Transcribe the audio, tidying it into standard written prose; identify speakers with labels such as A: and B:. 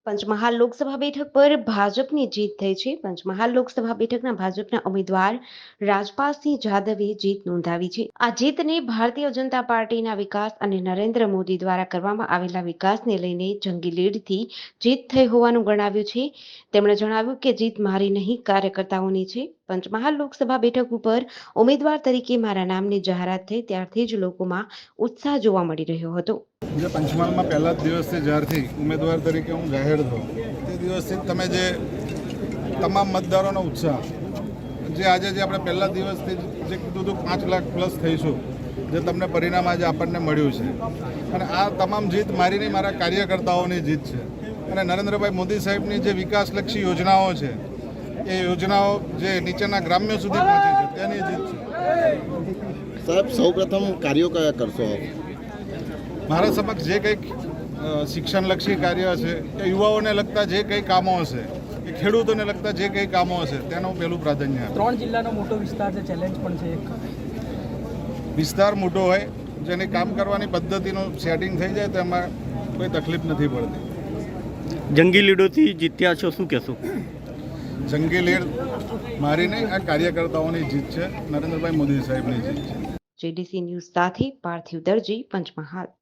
A: પંચમહાલ લોકસભા બેઠક પર ભાજપની જીત થઈ છે. પંચમહાલ લોકસભા બેઠકના ભાજપના ઉમેદવાર રાજપાલસિંહ જાદવે જીત નોંધાવી છે. આ જીતને ભારતીય જનતા પાર્ટીના વિકાસ અને નરેન્દ્ર મોદી દ્વારા કરવામાં આવેલા વિકાસને લઈને જંગી લીડથી જીત થઈ હોવાનું ગણાવ્યું છે. તેમણે જણાવ્યું કે જીત મારી નહીં, કાર્યકર્તાઓની છે. પંચમહાલ લોકસભા બેઠક ઉપર ઉમેદવાર તરીકે મારા નામની જાહેરાત થઈ ત્યારથી જ લોકોમાં ઉત્સાહ જોવા મળી રહ્યો હતો.
B: જે પંચમહાલમાં પહેલા જ દિવસથી જ્યારથી ઉમેદવાર તરીકે હું જાહેર થયો તે દિવસથી તમે જે તમામ મતદારોનો ઉત્સાહ જે આજે જે આપણે પહેલા દિવસથી જે કીધું હતું 5 લાખ પ્લસ થઈશું, જે તમને પરિણામ આજે આપણને મળ્યું છે. અને આ તમામ જીત મારી નહીં, મારા કાર્યકર્તાઓની જીત છે. અને નરેન્દ્રભાઈ મોદી સાહેબની જે વિકાસલક્ષી યોજનાઓ છે એ યોજનાઓ જે નીચેના ગ્રામ્ય સુધી પહોંચી છે તેની જીત છે.
C: સાહેબ, સૌપ્રથમ કાર્યો કયા કરશો?
B: મારા સમક્ષ જે કંઈક શિક્ષણલક્ષી કાર્ય હશે, કે યુવાઓને લગતા જે કંઈ કામો હશે, કે ખેડૂતોને લગતા જે કંઈ કામો હશે તેનું પહેલું પ્રાધાન્ય આપે.
D: 3 જિલ્લાનો મોટો વિસ્તાર છે, ચેલેન્જ પણ છે.
B: વિસ્તાર મોટો હોય, જેની કામ કરવાની પદ્ધતિનું સેટિંગ થઈ જાય તો એમાં કોઈ તકલીફ નથી પડતી.
E: જંગી લીડોથી જીત્યા છો, શું કહેશો?
B: જંગી લીડ મારી નહીં, આ કાર્યકર્તાઓની જીત છે, નરેન્દ્રભાઈ મોદી સાહેબની જીત છે.
A: જેડીસી ન્યૂઝ સાથે પાર્થિવ દરજી, પંચમહાલ.